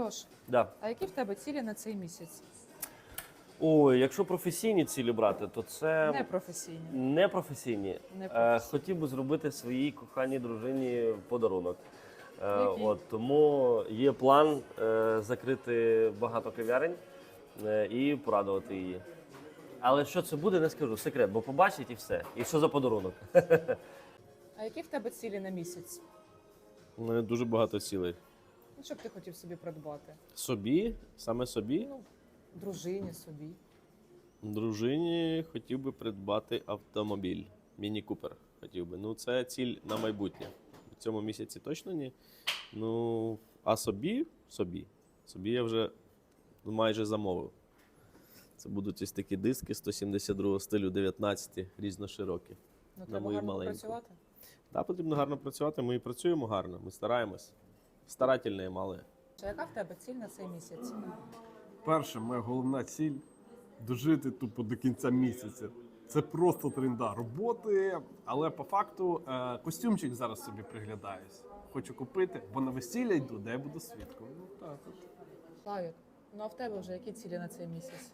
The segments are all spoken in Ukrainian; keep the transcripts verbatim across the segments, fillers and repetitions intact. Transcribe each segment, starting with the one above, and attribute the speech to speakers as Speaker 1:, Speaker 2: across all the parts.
Speaker 1: Льош,
Speaker 2: Да.
Speaker 1: а які в тебе цілі на цей місяць?
Speaker 2: Ой, якщо професійні цілі брати, то це
Speaker 1: Непрофесійні.
Speaker 2: не професійні.
Speaker 1: Не
Speaker 2: Е,
Speaker 1: професійні.
Speaker 2: хотів би зробити своїй коханій дружині подарунок. Е,
Speaker 1: Який?
Speaker 2: от, тому є план е, закрити багато кав'ярень е, і порадувати її. Але що це буде, не скажу. Секрет, бо побачить і все. І що за подарунок?
Speaker 1: А які в тебе цілі на місяць?
Speaker 3: У мене дуже багато цілей.
Speaker 1: Ну, що б ти хотів собі придбати?
Speaker 3: Собі, саме собі,
Speaker 1: Ну, дружині, собі.
Speaker 3: дружині хотів би придбати автомобіль. Міні-купер хотів би. Ну, це ціль на майбутнє. В цьому місяці точно ні. Ну, а собі, собі. Собі я вже майже замовив. Це будуть ось такі диски сто сімдесят другого стилю, дев'ятнадцяті, різноширокі.
Speaker 1: Ну,
Speaker 3: На
Speaker 1: треба
Speaker 3: мою
Speaker 1: гарно
Speaker 3: маленьку.
Speaker 1: працювати.
Speaker 3: Так, потрібно гарно працювати. Ми і працюємо гарно, ми стараємось. Старательні мали.
Speaker 1: А яка в тебе ціль на цей місяць?
Speaker 4: Перша моя головна ціль дожити тупо до кінця місяця. Це просто тренда роботи, але по факту е, костюмчик зараз собі приглядаюсь. Хочу купити, бо на весілля йду, де я буду свідком. Ну так от.
Speaker 1: Славік, ну а в тебе вже які цілі на цей місяць?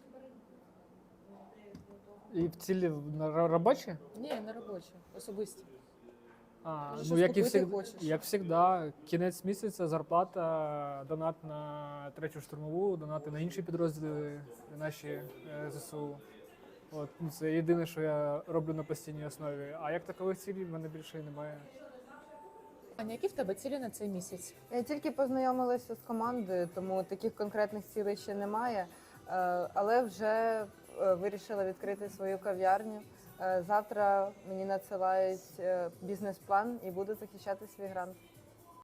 Speaker 5: І в цілі на ро- робочі?
Speaker 1: Ні, не робочі, особисті.
Speaker 5: А,
Speaker 1: Може,
Speaker 5: ну,
Speaker 1: щось
Speaker 5: як і,
Speaker 1: купити
Speaker 5: всіх,
Speaker 1: хочеш?
Speaker 5: як завжди, кінець місяця, зарплата, донат на третю штурмову, донати на інші підрозділи наші е, ЗСУ. От, ну, це єдине, що я роблю на постійній основі. А як такових цілей в мене більше і немає.
Speaker 1: Аня, які в тебе цілі на цей місяць?
Speaker 6: Я тільки познайомилася з командою, тому таких конкретних цілей ще немає. Е, Але вже е, вирішила відкрити свою кав'ярню. Е, Завтра мені надсилають е, бізнес-план і буду захищати свій грант.